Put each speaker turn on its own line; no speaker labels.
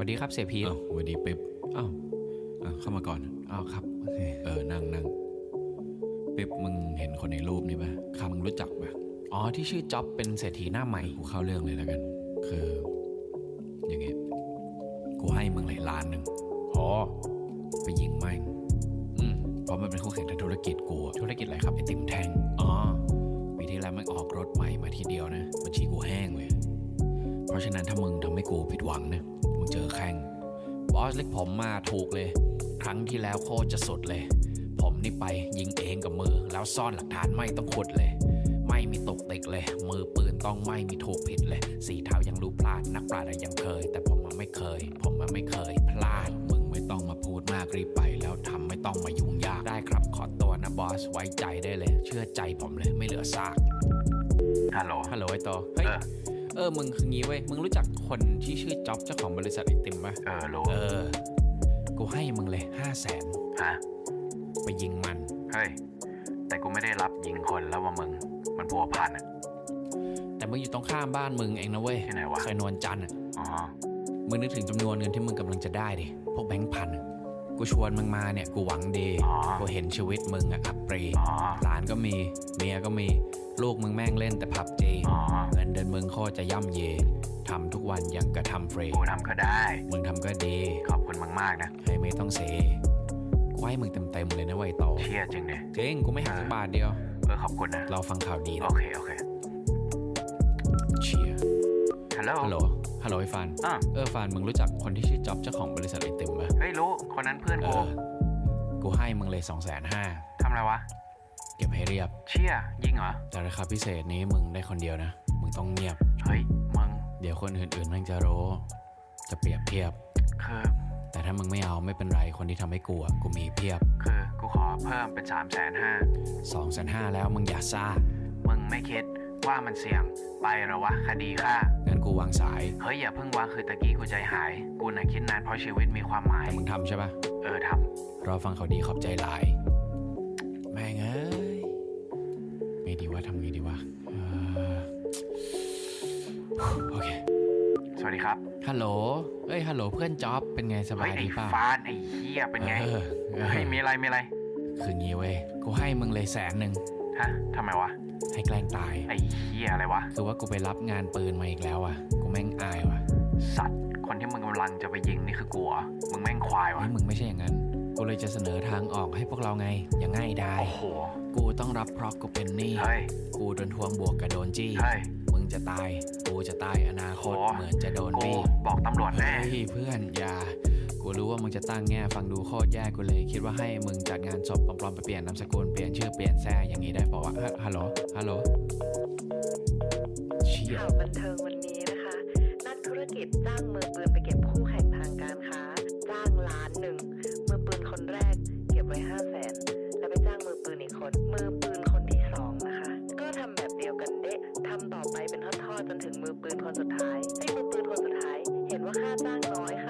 วัสดีครับเสียพีท
สวัสดีเป๊ป
อ้าว
เข้ามาก่อน
อ้าวครับโอเค
นั่งเป๊ปมึงเห็นคนในรูปนี่ปะมึงรู้จักปะ
อ๋อที่ชื่อจ๊อบเป็นเศรษฐีหน้าใหม่
กูเข้าเรื่องเลยแล้วกัน คืออย่างเงี้ยกูให้มึงเลย1,000,000
อ๋อ
ไปยิงแม่งเพราะมันเป็นคู่แข่งทางธุรกิจกู
ธุรกิจอะไรครับ
ไอติมแท่งปีที่แล้วมันออกรถใหม่มาทีเดียวนะบัญชีกูแห้งเลยเพราะฉะนั้นถ้ามึงทำให้กูผิดหวังนะมึงเจอแข่ง
บอสเล็กผมมาถูกเลยครั้งที่แล้วโคตรจะสุดเลยผมนี่ไปยิงเองกับมือแล้วซ่อนหลักฐานไม่ต้องขุดเลยไม่มีตกติกเลยมือปืนต้องไม่มีถูกผิดเลยสีเท้ายังรู้พลาดนักปราชญ์ยังเคยแต่ผมมันไม่เคยพลาด
มึงไม่ต้องมาพูดมากรีบไปแล้วทำไม่ต้องมายุ่งยาก
ได้ครับขอตัวนะบอสไว้ใจได้เลยเชื่อใจผมเลยไม่เหลือซาก
ฮัลโหล
ไอ้โตเฮ้ยมึงคืองี้เว้ยมึงรู้จักคนที่ชื่อจ๊อบเจ้าของบริษัทไอติมปะ
รู้
กูให้มึงเลย500,000
ฮะ
ไปยิงมัน
เฮ้ยแต่กูไม่ได้รับยิงคนแล้วว่ามึงมันพัวพันอ่ะ
แต่มึงอยู่ตรงข้ามบ้านมึงเองนะเว้ย
ที่ไหนวะ
ซอยนวลจันทร์
อ๋อ
มึงนึกถึงจำนวนเงินที่มึงกำลังจะได้ดิพวกแบงค์พันกูชวนมึงมาเนี่ยกูหวังดีกูเห็นชีวิตมึงอะอับปรีหลานก็มีเมียก็มีลูกมึงแม่งเล่นแต่ผับจีเงินเดือนมึงโคตรจะย่ำเยทำทุกวันยังกระทำฟรี
กูทำก็ได้
มึงทำก็ดี
ขอบคุณมึงมากนะ
ให้ไม่ต้องเสกูให้มึงเต็มเลยนะไวโต
เชี่ยจริงดิ
จริงกูไม่หักสักบาทเดียว
ขอบคุณนะ
เราฟังข่าวดี
โอเค
เชียร์
ฮัลโหล
ไอ้ฟานฟานมึงรู้จักคนที่ชื่อจ๊อบเจ้าของบริษัทไอติมปะ
เฮ้ยรู้คนนั้นเพื่อน
กูให้มึงเลย250,000
ทำอะไรวะ
เก็บให้เรียบ
เชี่ยยิงเหรอ
แต่ราคาพิเศษนี้มึงได้คนเดียวนะมึงต้องเงียบ
เฮ้ยมึง
เดี๋ยวคนอื่นๆแม่งจะรู้จะเปรียบเทียบ
คือ
แต่ถ้ามึงไม่เอาไม่เป็นไรคนที่ทำให้กูมีเพียบ
คือกูขอเพิ่มเป็น
250,000แล้วมึงอย่าซ่า
มึงไม่คิดว่ามันเสี่ยงไปหรอวะคดีฆ่า
งั้นกูวางสาย
เฮ้ยอย่าเพิ่งวางคือตะกี้กูใจหายกูน่ะคิดนานเพราะชีวิตมีความหมาย
แต่มึงทำใช่ปะ
ทำ
รอฟังเขาดีขอบใจหลายแม่งเอ้ยไม่ดีว่าทำไงดีวะโอเค
สวัสดีครับ
ฮัลโหลฮัลโหลเพื่อนจ๊อบเป็นไงสบายดีป่ะ
ไอ้ฟานไอ้เหี้ยเป็นไงเฮ้ยมีอะไร
คืองี้เว้ยกูให้มึงเลย100,000
ฮะทำไมวะ
ให้แกล้งตาย
ไอ้เหี้ยอะไรวะ
คือว่ากูไปรับงานปืนมาอีกแล้วอ่ะกูแม่งอายว่ะ
สัตว์คนที่มึงกำลังจะไปยิงนี่คือกูเหรอมึงแม่งควายวะ
มึงไม่ใช่อย่างนั้นกูเลยจะเสนอทางออกให้พวกเราไงอย่างง่ายดาย
โอ้โห
กูต้องรับเพราะกูเป็นหนี้กูโดนทวงบวกกับโดนจี้มึงจะตายกูจะตายอนาคตเหมือนจะโดนบี้
บอกตำรวจแน่
เพื่อนอย่ากูรู้ว่ามึงจะตั้งแง่ฟังดูโคตรแย่กูเลยคิดว่าให้มึงจัดงานศพปลอมๆไปเปลี่ยนนามสกุลเปลี่ยนชื่อเปลี่ยนแซ่อย่างนี้ได้ป่าวะฮัลโหล
ข่าวบันเทิงวันนี้นะคะนักธุรกิจจ้างมือปืนไปเก็บคู่แข่งทางการค้าจ้าง1,000,000มือปืนคนแรกเก็บไว้500,000แล้วไปจ้างมือปืนอีกคนมือปืนคนที่2นะคะก็ทำแบบเดียวกันเดะทำต่อไปเป็นทอดๆจนถึงมือปืนคนสุดท้ายให้มือปืนคนสุดท้ายเห็นว่าค่าจ้างน้อย